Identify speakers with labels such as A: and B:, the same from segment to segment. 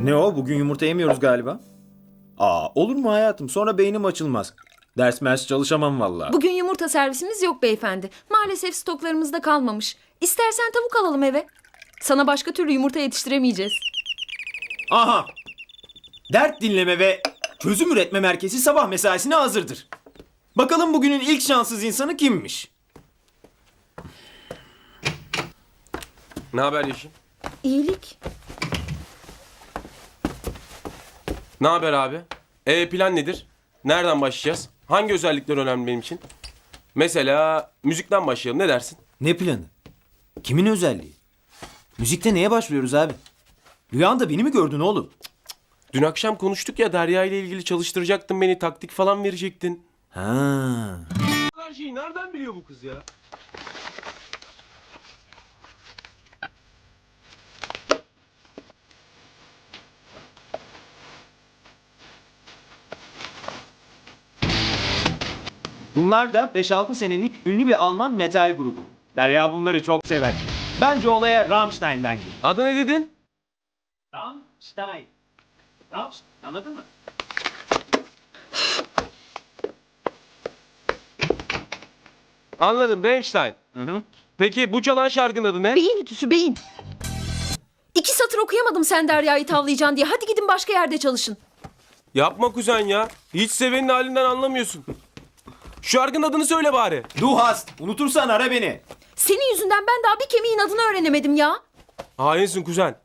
A: Ne o? Bugün yumurta yemiyoruz galiba. Aa, olur mu hayatım? Sonra beynim açılmaz. Ders mers çalışamam vallahi.
B: Bugün yumurta servisimiz yok beyefendi. Maalesef stoklarımızda kalmamış. İstersen tavuk alalım eve. Sana başka türlü yumurta yetiştiremeyeceğiz.
A: Aha! Dert dinleme ve çözüm üretme merkezi sabah mesaisine hazırdır. Bakalım bugünün ilk şanssız insanı kimmiş?
C: Ne haber Yeşim?
B: İyilik.
C: Ne haber abi? Plan nedir? Nereden başlayacağız? Hangi özellikler önemli benim için? Mesela müzikten başlayalım. Ne dersin?
A: Ne planı? Kimin özelliği? Müzikte neye başlıyoruz abi? Rüyanda beni mi gördün oğlum?
C: Dün akşam konuştuk ya, Derya ile ilgili çalıştıracaktın beni, taktik falan verecektin.
A: Ha.
C: Her şeyi nereden biliyor bu kız ya?
A: Bunlar da 5-6 senelik ünlü bir Alman metal grubu. Derya bunları çok sever. Bence olaya Rammstein'den geliyor.
C: Adı ne dedin?
A: Rammstein. Rammstein. Anladın mı?
C: Anladım, Rammstein. Peki bu çalan şarkının adı ne?
B: Beyin ütüsü beyin. 2 satır okuyamadım sen Derya'yı tavlayacaksın diye. Hadi gidin başka yerde çalışın.
C: Yapma kuzen ya. Hiç sevenin halinden anlamıyorsun. Şu şarkının adını söyle bari.
A: Du hast. Unutursan ara beni.
B: Senin yüzünden ben daha bir kemiğin adını öğrenemedim ya.
C: Hainsin kuzen.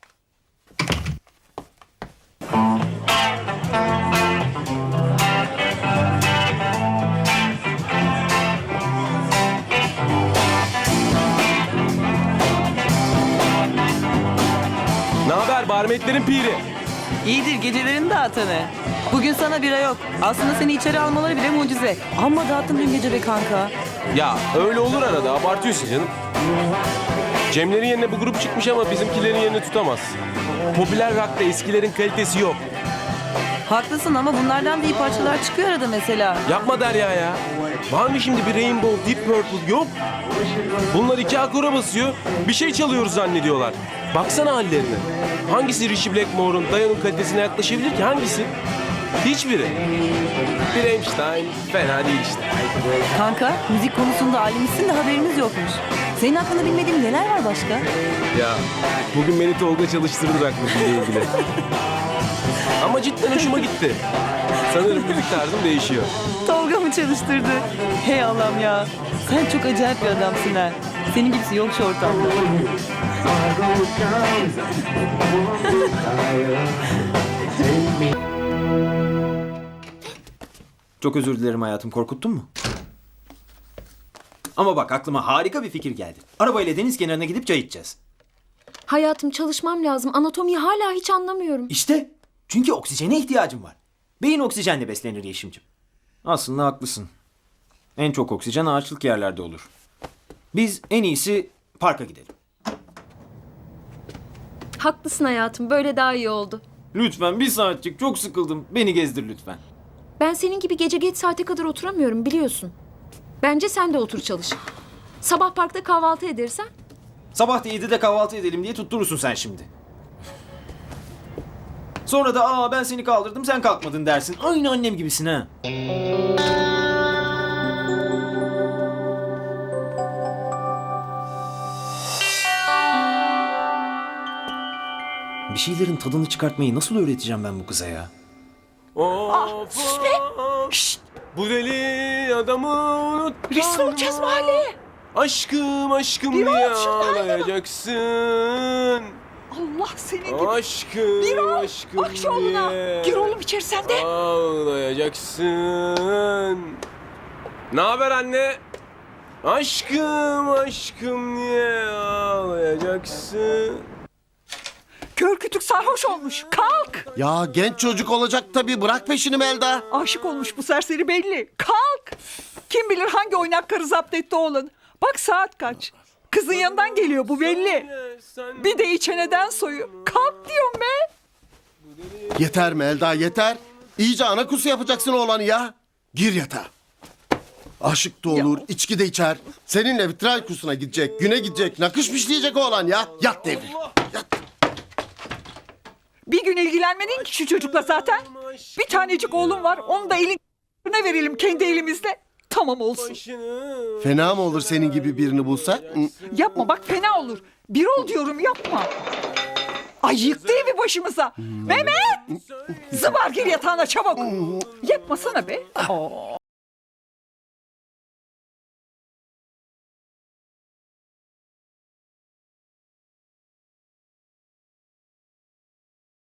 C: Ne haber barmetlerin piri?
D: İyidir gecelerin dağıtanı. Bugün sana bira yok. Aslında seni içeri almaları bile mucize. Amma dağıttın dün gece be kanka.
C: Ya öyle olur arada, abartıyorsun canım. Cemlerin yerine bu grup çıkmış ama bizimkilerin yerini tutamaz. Popüler rock'ta eskilerin kalitesi yok.
D: Haklısın ama bunlardan da iyi parçalar çıkıyor arada mesela.
C: Yapma Derya ya. Var mı şimdi bir Rainbow, Deep Purple? Yok. Bunlar 2 akora basıyor, bir şey çalıyoruz zannediyorlar. Baksana hallerine. Hangisi Richie Blackmore'un, Diana'nın kalitesine yaklaşabilir ki? Hangisi? Hiçbiri. Bir Rammstein fena değil işte.
D: Kanka müzik konusunda alimsin de haberimiz yokmuş. Senin hakkında bilmediğim neler var başka?
C: Ya bugün beni Tolga çalıştırdı rock'la ilgili. Ama cidden hoşuma gitti. Sanırım müzik tarzım değişiyor.
D: Tolga mı çalıştırdı? Hey Allah'ım ya. Sen çok acayip bir adamsın ha. Senin gibisi yok şu ortamda.
A: Çok özür dilerim hayatım. Korkuttun mu? Ama bak aklıma harika bir fikir geldi. Arabayla deniz kenarına gidip çay içeceğiz.
B: Hayatım çalışmam lazım. Anatomiyi hala hiç anlamıyorum.
A: İşte. Çünkü oksijene ihtiyacım var. Beyin oksijenle beslenir Yeşim'cim. Aslında haklısın. En çok oksijen ağaçlık yerlerde olur. Biz en iyisi parka gidelim.
B: Haklısın hayatım. Böyle daha iyi oldu.
A: Lütfen bir saatçik çok sıkıldım. Beni gezdir lütfen.
B: Ben senin gibi gece geç saate kadar oturamıyorum biliyorsun. Bence sen de otur çalış. Sabah parkta kahvaltı edersen.
A: Sabah da 7'de kahvaltı edelim diye tutturursun sen şimdi. Sonra da ben seni kaldırdım sen kalkmadın dersin. Aynı annem gibisin ha. Bir şeylerin tadını çıkartmayı nasıl öğreteceğim ben bu kıza ya?
C: Of, Şşt! Bu deli adamı unuttum.
E: Rezil olacağız mahalleye.
C: Aşkım aşkım
E: Bir
C: diye
E: ol şundan yana.
C: ağlayacaksın.
E: Allah senin gibi.
C: Aşkım
E: Bir ol.
C: aşkım
E: Bak şu oğluna.
C: diye
E: Gir oğlum içeri sen de.
C: ağlayacaksın. Ne haber anne? Aşkım aşkım diye ağlayacaksın.
E: Kör kütük sarhoş olmuş. Kalk.
F: Ya genç çocuk olacak tabii, bırak peşini Melda.
E: Aşık olmuş bu serseri belli. Kalk. Kim bilir hangi oynak karı zapt etti oğlun. Bak saat kaç. Kızın yanından geliyor bu belli. Bir de içeneden soyu. Kalk diyorum be.
F: Yeter Melda yeter. İyice ana kusu yapacaksın oğlanı ya. Gir yatağa. Aşık da olur, içki de içer. Seninle vitray kursuna gidecek, güne gidecek, nakış pişleyecek oğlan ya. Yat devri. Yat.
E: Bir gün ilgilenmedin ki şu çocukla zaten. Bir tanecik oğlum var. Onu da eline verelim kendi elimizle. Tamam olsun.
F: Fena mı olur senin gibi birini bulsak?
E: Yapma bak fena olur. Bir ol diyorum yapma. Ay yıktı evi başımıza. Mehmet! Zıbar gir yatağına çabuk. Yapmasana be.